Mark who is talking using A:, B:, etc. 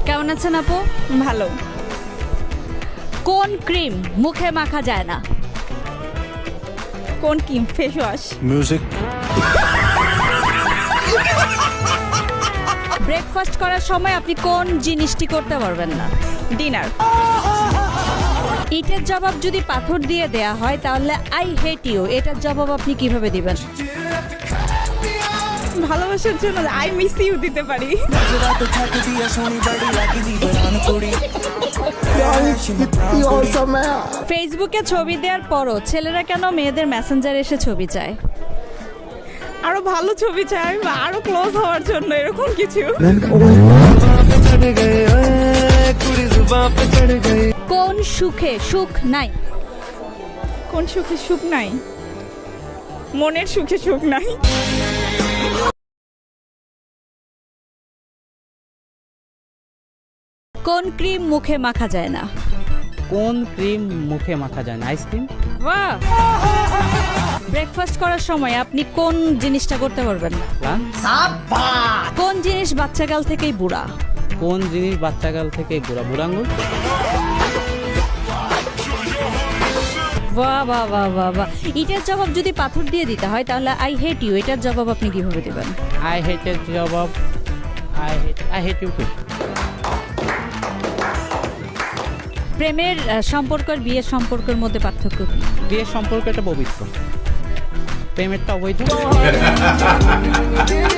A: কেমন আছেন আপু?
B: ভালো।
A: কোন ক্রিম মুখে মাখা যায় না?
B: কোন cream? Face wash.
C: Music.
A: Breakfast করার সময় আপনি কোন জিনিসটি করতে পারবেন না?
B: ডিনার।
A: ইটের জবাব যদি পাথর দিয়ে দেয়া হয় তাহলে আই হেট ইউ এটার জবাব আপনি কিভাবে দিবেন?
B: ভালোবাসার জন্য আই মিস ইউ দিতে পারি।
A: ফেসবুকে ছবি দেওয়ার পরও ছেলেরা কেন মেয়েদের মেসেঞ্জারে এসে ছবি চায়?
B: আরো ভালো ছবি চাই বা আরো ক্লোজ হওয়ার জন্য, এরকম কিছু।
A: কোন সুখে সুখ নাই?
B: কোন সুখে সুখ নাই? মনের সুখে সুখ নাই।
A: কোন ক্রিম মুখে মাখা যায় না?
D: কোন ক্রিম মুখে মাখা যায় না? আইসক্রিম।
A: বাহ! ব্রেকফাস্ট করার সময় আপনি কোন জিনিসটা করতে পারবেন না?
D: লাঞ্চ।
A: কোন জিনিস বাচ্চাকাল থেকেই বুড়া?
D: কোন জিনিস বাচ্চাকাল থেকে বুড়া? বুড়াঙ্গুল।
A: বাহ বাহ বাহ বাহ বাহ! এটার জবাব যদি পাথর দিয়ে দিতে হয় তাহলে আই হেট ইউ এটার জবাব আপনি কিভাবে দিবেন?
D: আই হেট এর জবাব আই হেট ইউ টু।
A: প্রেমের সম্পর্ক আর বিয়ের সম্পর্কের মধ্যে পার্থক্য কি?
D: বিয়ের সম্পর্ক এটা পবিত্র, প্রেমেরটা অবৈধ।